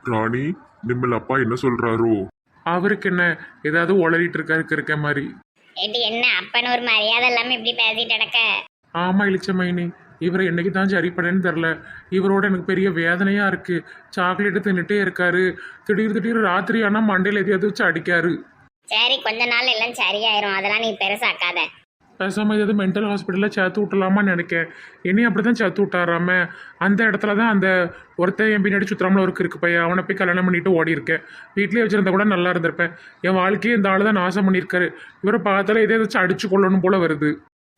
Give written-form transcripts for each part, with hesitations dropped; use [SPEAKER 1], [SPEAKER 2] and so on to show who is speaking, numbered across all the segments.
[SPEAKER 1] ராணி, நிம்மல் அப்பா என்ன சொல்றாரோ?
[SPEAKER 2] அவருக்கு என்ன ஏதாவது உளறிட்டு இருக்க மாதிரி.
[SPEAKER 3] ஏட்டி என்ன அப்பன்னு ஒரு மரியாதை இல்லாம இப்படி பேசிட்டு கிடக்க?
[SPEAKER 2] ஆமா இளிச்சமைனி, இவர் என்னைக்கு தான் சரிப்படன்னு தெரில. இவரோட எனக்கு பெரிய வேதனையா இருக்கு. சாக்லேட்டு தின்னுட்டே இருக்காரு. திடீர் ராத்திரி ஆனால் மண்டையில் எதையாவது வச்சு அடிக்காரு.
[SPEAKER 3] சரி, கொஞ்ச நாள் எல்லாம் சரியாயிரும், அதெல்லாம் நீ பெருசாக்காத.
[SPEAKER 2] பேசாமல் ஏதாவது மென்டல் ஹாஸ்பிட்டலில் சேர்த்து விட்டலாமான்னு நினைக்கேன். என்னையும் அப்படி தான் சேர்த்து விட்டாராம. அந்த இடத்துல தான் அந்த ஒருத்தன் என் பின்னாடி சுத்தராமல ஒரு இருக்கு பையன், அவனை போய் கல்யாணம் பண்ணிட்டு ஓடி இருக்கேன். வீட்லேயே வச்சிருந்தா கூட நல்லா இருந்திருப்பேன். என் வாழ்க்கையே இந்த ஆள் தான் நாசம் பண்ணியிருக்காரு. இவரை பார்த்தாலே எதை வச்சு அடிச்சு கொள்ளணும் போல வருது.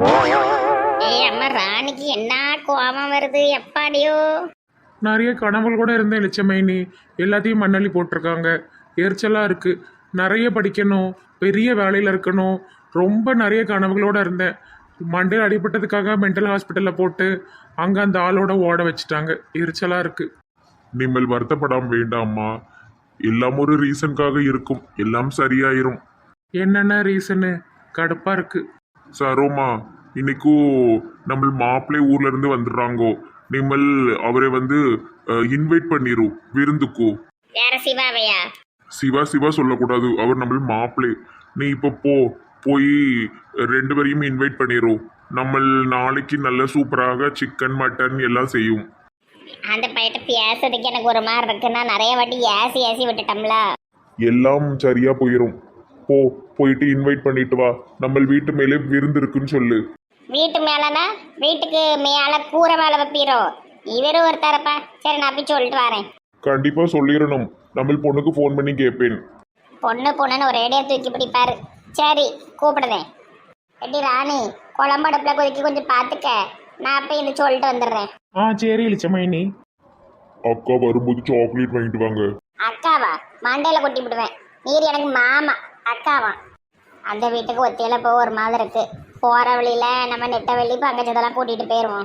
[SPEAKER 3] ஏய் அம்மா, ராணிக்கு என்ன கோபம் வருது எப்பாடியோ.
[SPEAKER 2] நிறைய கனவுகள் கூட இருந்தேன் இளிச்சமைனி, எல்லாத்தையும் மண்ணள்ளி போட்டிருக்காங்க. எரிச்சலாக இருக்குது. நிறைய படிக்கணும், பெரிய வேலையில் இருக்கணும், ரொம்ப நிறைய கனவுகளோடு இருந்தேன். மண்டையில் அடிபட்டதுக்காக மென்டல் ஹாஸ்பிட்டலில் போட்டு அங்கே அந்த ஆளோட ஓட வச்சுட்டாங்க. எரிச்சலாக இருக்குது.
[SPEAKER 1] நிம்மல் வருத்தப்படாம வேண்டாம்மா. எல்லாம் ஒரு ரீசனுக்காக இருக்கும். எல்லாம் சரியாயிரும்.
[SPEAKER 2] என்னென்ன ரீசனு? கடுப்பாக இருக்குது.
[SPEAKER 1] சரோமா, இன்னைக்கும் நம்ம மாப்பிள்ளை ஊர்ல இருந்து வந்துடுறாங்கோ. நிம்மல் அவரை வந்து இன்வைட் பண்ணிரும் விருந்துக்கு.
[SPEAKER 3] வேற சிவாவையா?
[SPEAKER 1] சிவா சிவா சொல்லக்கூடாது, அவர் நம்ம மாப்பிள்ளை. நீ இப்போ போய் ரெண்டு பேரையும் இன்வைட் பண்ணிரும். நம்ம நாளைக்கு நல்ல சூப்பராக சிக்கன் மட்டன் எல்லாம் செய்யும்.
[SPEAKER 3] அந்த பையிட்ட பேசுறதுக்கு எனக்கு ஒரு மாதிரி இருக்குன்னா நிறைய வாட்டி ஏசி விட்டுட்டோம்ல.
[SPEAKER 1] எல்லாம் சரியா போயிரும். போயிட்டு இன்வைட் பண்ணிட்டு வா. நம்ம வீட்டு மேலே விருந்து இருக்குன்னு சொல்லு.
[SPEAKER 3] வீட்டு மேலனா? வீட்டுக்கு மேல கூரை மேல வைப்பீரோ? இவரும் ஒருத்தரப்பா. சரி, நான் போய் சொல்லிட்டு வரேன்.
[SPEAKER 1] கண்டிப்பா சொல்லிடணும். நம்ம பொண்ணுக்கு ஃபோன் பண்ணி கேட்பேன்.
[SPEAKER 3] பொண்ணுன்னு ஒரு ரேடியோ தூக்கி பிடிப்பாரு. சரி, கூப்பிடுறேன். எப்படி ராணி, குழம்படுப்புல கொதிக்க கொஞ்சம் பார்த்துக்க. நான் போய் இந்த சொல்லிட்டு வந்துடுறேன்.
[SPEAKER 2] சரி இளிச்சமைனி.
[SPEAKER 1] அக்கா வரும்போது சாக்லேட் வாங்கிட்டு வாங்க.
[SPEAKER 3] அக்காவா? மண்டையில கொட்டி விடுவேன். நீர் எனக்கு மாமா. அக்காவா? அந்த வீட்டுக்கு ஒத்தையில போக ஒரு மாதிரி இருக்கு. போற வழியில நம்ம நெட்ட வெளி பங்கஜத்தெல்லாம் கூட்டிட்டு போயிருவோம்.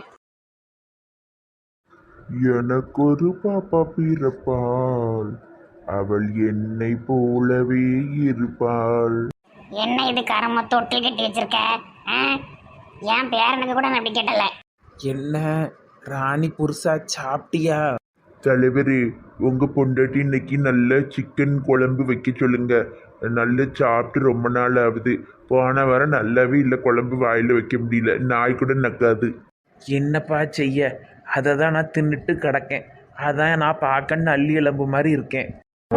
[SPEAKER 1] எனக்கு ஒரு பாப்பா பிறப்பாள், அவள் என்னை போலவே இருப்பாள்.
[SPEAKER 3] என்ன இது கரம தொட்டில் கட்டி வச்சிருக்க? என் பேரனுக்கு கூட நான் அப்படி கேட்டல.
[SPEAKER 4] என்ன ராணி புருஷா, சாப்பிட்டியா?
[SPEAKER 1] தலைவரே, உங்க பொண்டாட்டி இன்னைக்கு நல்ல சிக்கன் குழம்பு வைக்க சொல்லுங்க. நல்ல சாப்பிட்டு ரொம்ப நாள் ஆகுது. போன வாரம் நல்லாவே இல்லை, குழம்பு வாயில் வைக்க முடியல. நாய் கூட நக்காது.
[SPEAKER 4] என்னப்பா செய்ய, அதை தான் நான் தின்னுட்டு கிடக்கேன். அதான் நான் பார்க்க நல்லி எலும்பு மாதிரி இருக்கேன்.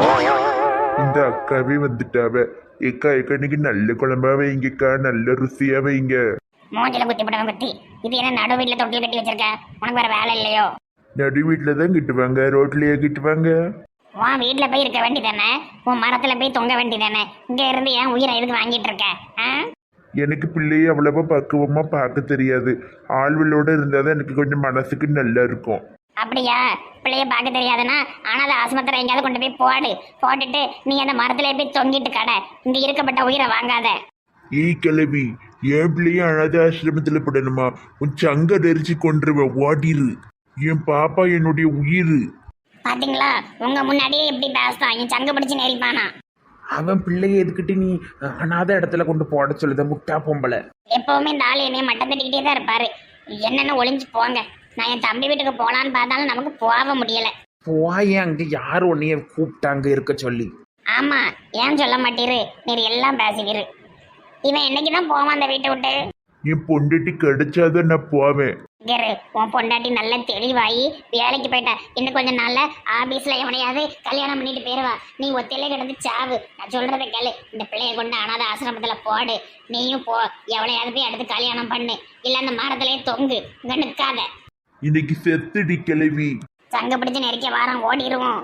[SPEAKER 1] இந்த அக்காவே வந்துட்டாவ. ஏக்கா இன்னைக்கு நல்ல குழம்பா வைங்கக்கா, நல்ல ருசியா வைங்க.
[SPEAKER 3] மூஞ்சில குத்தி போட்டவன் குத்தி. இது என்ன நடு வீட்டுல தொட்டில் கட்டி வச்சிருக்க? உனக்கு வேற வேலை இல்லையோ?
[SPEAKER 1] நடு வீட்டில் தான் கிட்டுவாங்க, ரோட்லயே கிட்டுவாங்க.
[SPEAKER 3] உன் வீட்டுல போய் இருக்க வேண்டியதானே? உன் மரத்துல போய் தொங்க வேண்டியதானே? இங்க இருந்து ஏன் உயிரை எதுக்கு வாங்கிட்டு இருக்க?
[SPEAKER 1] எனக்கு பிள்ளையை அவ்வளவா பக்குவமா பார்க்க தெரியாது. ஆள்வளோட இருந்தாதான் எனக்கு கொஞ்சம் மனசுக்கு நல்லா இருக்கும்.
[SPEAKER 3] அப்படியா? பிள்ளைய பார்க்க தெரியாதுன்னா அனாதை ஆஸ்பத்திரி எங்கேயாவது கொண்டு போய் போட்டுட்டு நீ அந்த மரத்துல போய் தொங்கிட்டு கடை. இங்க இருக்கப்பட்ட உயிரை வாங்காத.
[SPEAKER 1] கிளவி, என் பிள்ளைய அனாத ஆசிரமத்துல படணுமா? உன் சங்க நெரிச்சு கொண்டுருவேன், ஓடிரு. என் பாப்பா என்னுடைய உயிர்.
[SPEAKER 3] பாத்தீங்களா, உங்க முன்னாடியே எப்படி பேசுறான். என் சங்க பிடிச்சு நெரிப்பானா?
[SPEAKER 4] அவன் பிள்ளைய எதுக்கிட்டு நீ அனாத இடத்துல கொண்டு போட சொல்லுத முட்டா பொம்பளை.
[SPEAKER 3] எப்பவுமே இந்த ஆள் என்னைய மட்டம் தட்டிக்கிட்டே தான் இருப்பாரு. என்னென்ன ஒளிஞ்சு போங்க. நான் என் தம்பி வீட்டுக்கு போலான்னு பார்த்தாலும் நமக்கு போக முடியல.
[SPEAKER 4] போய் அங்க யார் உன்னைய கூப்பிட்டாங்க இருக்க சொல்லி?
[SPEAKER 3] ஆமா, ஏன் சொல்ல மாட்டீரு? நீர் எல்லாம் பேசுவீரு. இவன் என்னைக்குதான் போவான் அந்த வீட்டை விட்டு?
[SPEAKER 1] என் பொண்டாட்டி கிடைச்சாதான் நான் போவேன்.
[SPEAKER 3] உன் பொண்டாட்டி நல்ல தெளிவாயி வேலைக்கு போயிட்டா. இன்னும் கொஞ்சம் நாள்ல ஆபீஸ்ல எவனையாவது கல்யாணம் பண்ணிட்டு போயிருவா. நீ ஒத்தையில கிடந்து சாவு. நான் சொல்றதை கேளு. இந்த பிள்ளைய கொண்டு அனாத ஆசிரமத்துல போடு. நீயும் போ. எவளையாவது போய் அடுத்து கல்யாணம் பண்ணு. இல்ல அந்த மரத்திலேயே தொங்கு. இங்க நிற்காத.
[SPEAKER 1] இன்னைக்கு செத்துடி கிளவி.
[SPEAKER 3] சங்க பிடிச்சு நெருக்க வாரம் ஓடிடுவோம்.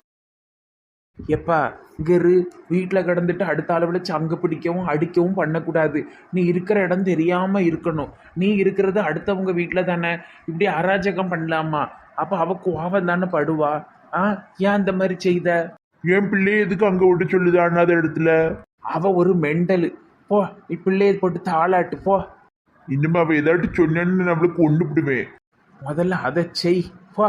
[SPEAKER 4] எப்பா இங்கரு வீட்டில் கிடந்துட்டு அடுத்த அளவில் சங்கு பிடிக்கவும் அடிக்கவும் பண்ணக்கூடாது. நீ இருக்கிற இடம் தெரியாம இருக்கணும். நீ இருக்கிறது அடுத்தவங்க வீட்டில் தானே. இப்படி அராஜகம் பண்ணலாமா? அப்போ அவ கோவம் தானே படுவா. ஏன் அந்த மாதிரி செய்த?
[SPEAKER 1] என் பிள்ளைய எதுக்கு அங்க விட்டு சொல்லுது அனாத இடத்துல?
[SPEAKER 4] அவ ஒரு மெண்டலு. போ, நீ பிள்ளைய போட்டு தாளாட்டு போ.
[SPEAKER 1] இன்னும் அவ ஏதாட்டு சொன்னு நம்மளுக்கு கொண்டு விடுவேன்.
[SPEAKER 4] முதல்ல அதை செய் போ.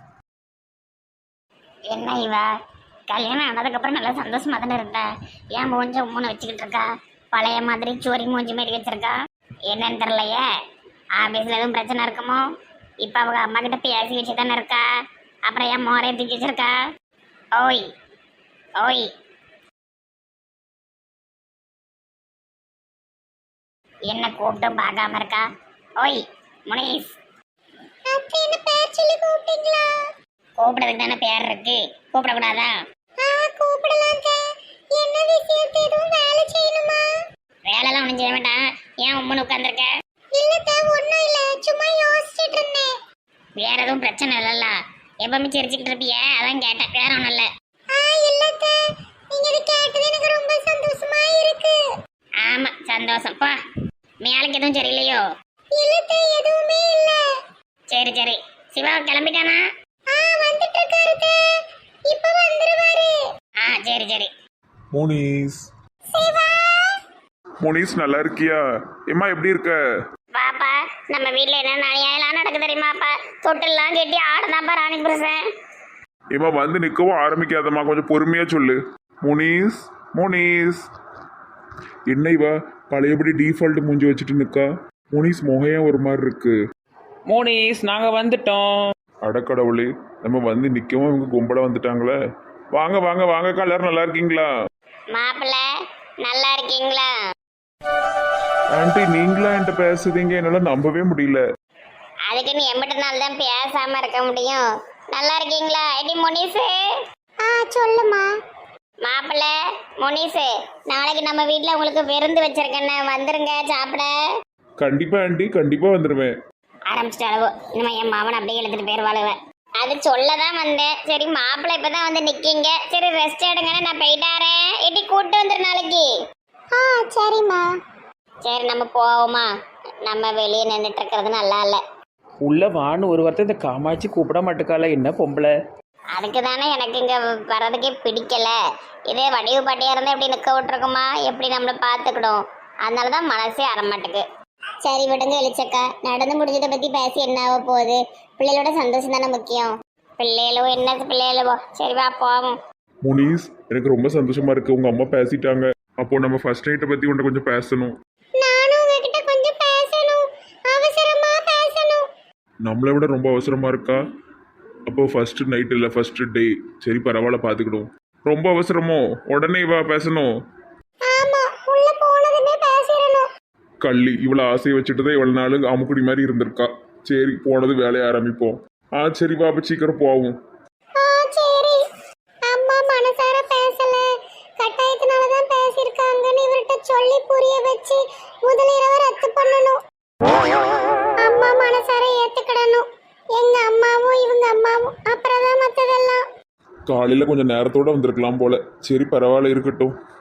[SPEAKER 3] என்ன இவா கல்யாணம் ஆனதுக்கப்புறம் நல்லா சந்தோஷமா தானே இருந்தா? ஏன் மூஞ்ச மூணு வச்சுக்கிட்டு இருக்கா? பழைய மாதிரி சோரி மூஞ்சி மாரி வச்சிருக்கா. என்னன்னு தெரியலையே. ஆபீஸ்ல எதுவும் பிரச்சனை இருக்குமோ? இப்ப அவங்க அம்மா கிட்ட பேசி வச்சு தானே இருக்கா. அப்புறம் ஏன் மோரையை தூக்கி வச்சிருக்கா? ஓய், ஓய் என்ன கூப்பிட்டும் பார்க்காம இருக்கா? ஓய் முனீஸ், என்ன பேர் சொல்லி கூப்பிட்டீங்களா? கூப்பிடுறதுக்கு தானே பேர் இருக்கு, கூப்பிடக்கூடாதா? கூப்பிடலாம். என்ன விஷயத்தை எதுவும் வேலை செய்யணுமா? வேலைலாம் ஒன்றும் செய்ய வேண்டாம். ஏன் உம்முன்னு உட்காந்துருக்க? இல்ல ஒன்றும் இல்லை, சும்மா யோசிச்சுட்டு இருந்தேன். வேற எதுவும் பிரச்சனை இல்லைல்ல? எப்பவுமே சிரிச்சுக்கிட்டு இருப்பிய, அதான் கேட்டேன். வேற ஒன்றும் இல்லை. இல்ல நீங்க இதை கேட்டது எனக்கு ரொம்ப சந்தோஷமா இருக்கு. ஆமா சந்தோஷம். பா மேலுக்கு எதுவும் சரியில்லையோ? இல்ல எதுவுமே இல்ல. சரி சரி, சிவா கிளம்பிட்டானா? வந்துட்டு இருக்காரு. இப்ப வந்துருவாரு. சரி சரி.
[SPEAKER 1] முனிஸ்,
[SPEAKER 3] சிவா
[SPEAKER 1] முனிஸ் நல்லா இருக்கியா? ஏம்மா எப்படி இருக்க?
[SPEAKER 3] பாப்பா, நம்ம வீட்ல என்ன நியாயம்லாம் நடக்கு தெரியுமாப்பா? தொட்டெல்லாம் கட்டி ஆடுதாப்பா ராணி புருஷன்.
[SPEAKER 1] ஏம்மா வந்து நிற்கவும் ஆரம்பிக்காதம்மா, கொஞ்சம் பொறுமையா சொல்லு. முனிஸ், முனிஸ். என்ன இவா பழையபடி டிஃபால்ட் மூஞ்சி வச்சுட்டு நிற்கா? முனிஸ் முகையா ஒரு மாதிரி இருக்கு.
[SPEAKER 4] மோனிஸ் நாங்கள் வந்துட்டோம்.
[SPEAKER 1] அடக்கடவுளே, நம்ம வந்து நிற்கவும் இவங்க கும்பலாக வந்துட்டாங்களே. வாங்க வாங்க வாங்கக்கா, எல்லாரும் நல்லா இருக்கீங்களா?
[SPEAKER 3] மாப்பிள்ள நல்லா இருக்கீங்களா?
[SPEAKER 1] ஆண்டி நீங்களா என்கிட்ட பேசுறீங்க? என்னால் நம்பவே முடியல.
[SPEAKER 3] அதுக்கு நீ எம்பிட்ட நாள் தான் பேசாம இருக்க முடியும். நல்லா இருக்கீங்களா? எடி முனிசு. சொல்லுமா. மாப்பிள்ள முனிசு, நாளைக்கு நம்ம வீட்ல உங்களுக்கு விருந்து வச்சிருக்கேன்னு, வந்துருங்க சாப்பிட.
[SPEAKER 1] கண்டிப்பா ஆண்டி, கண்டிப்பா வந்துடுவேன்.
[SPEAKER 3] ஆரம்பிச்சிட்ட அளவு இனிமே என் மாவன் அப்படியே எழுதிட்டு போயிருவாளுவேன். அது சொல்லதான் வந்தேன். சரி மாப்பிள்ளை இப்பதான் வந்து நிக்கீங்க, சரி ரெஸ்ட் எடுங்கன்னு நான் போயிட்டாரேன். எட்டி கூட்டு வந்துரு நாளைக்கு. சரிம்மா. சரி நம்ம போவோமா? நம்ம வெளியே நின்றுட்டு இருக்கிறது நல்லா இல்லை.
[SPEAKER 4] உள்ள வான்னு ஒரு வார்த்தை இந்த காமாட்சி கூப்பிட மாட்டுக்கால, என்ன பொம்பளை?
[SPEAKER 3] அதுக்கு தானே எனக்கு இங்கே வர்றதுக்கே பிடிக்கல. இதே வடிவு பாட்டியாக இருந்தால் எப்படி நிற்க விட்டுருக்குமா? எப்படி நம்மளை பார்த்துக்கிடும்? அதனால தான் மனசே அறமாட்டுக்கு. சரி விடுங்க வெளிச்சக்கா, நடந்து முடிஞ்சதை பற்றி பேசி என்ன ஆக போகுது? பிள்ளைகளோட சந்தோஷம் தானே முக்கியம். பிள்ளைகளோ என்ன பிள்ளைகளோ, சரி வா போவோம்.
[SPEAKER 1] முனிஸ், எனக்கு ரொம்ப சந்தோஷமா இருக்கு. உங்க அம்மா பேசிட்டாங்க. அப்போ நம்ம ஃபர்ஸ்ட் நைட்டை பத்தி உன்ட்ட கொஞ்சம் பேசணும்.
[SPEAKER 3] நானும் உங்ககிட்ட கொஞ்சம் பேசணும், அவசரமா பேசணும்.
[SPEAKER 1] நம்மளை விட ரொம்ப அவசரமா இருக்கா? அப்போ ஃபர்ஸ்ட் நைட் இல்லை, ஃபர்ஸ்ட் டே. சரி பரவாயில்ல, பார்த்துக்கிடும். ரொம்ப அவசரமோ? உடனே வா பேசணும்.
[SPEAKER 3] ஆமா, உள்ள போனதுமே பேசிரணும்.
[SPEAKER 1] கள்ளி இவ்வளோ ஆசையை வச்சுட்டு தான் இவ்வளோ நாள் அமுக்குடி மாதிரி இருந்திருக்கா. சரி போனது வேலையை ஆரம்பிப்போம். சரி வா, அப்போ சீக்கிரம் போவோம்.
[SPEAKER 3] சரி. அம்மா மனசார பேசல, கட்டாயத்தினால தான் பேசியிருக்காங்கன்னு இவர்கிட்ட சொல்லி புரிய வச்சு முதலிரவை ரத்து பண்ணணும். அம்மா மனசார ஏத்துக்கிடணும். எங்க அம்மாவும் இவங்க அம்மாவும், அப்புறம் தான் மற்றதெல்லாம்.
[SPEAKER 1] காலையில் கொஞ்சம் நேரத்தோடு வந்திருக்கலாம் போல. சரி பரவாயில்ல, இருக்கட்டும்.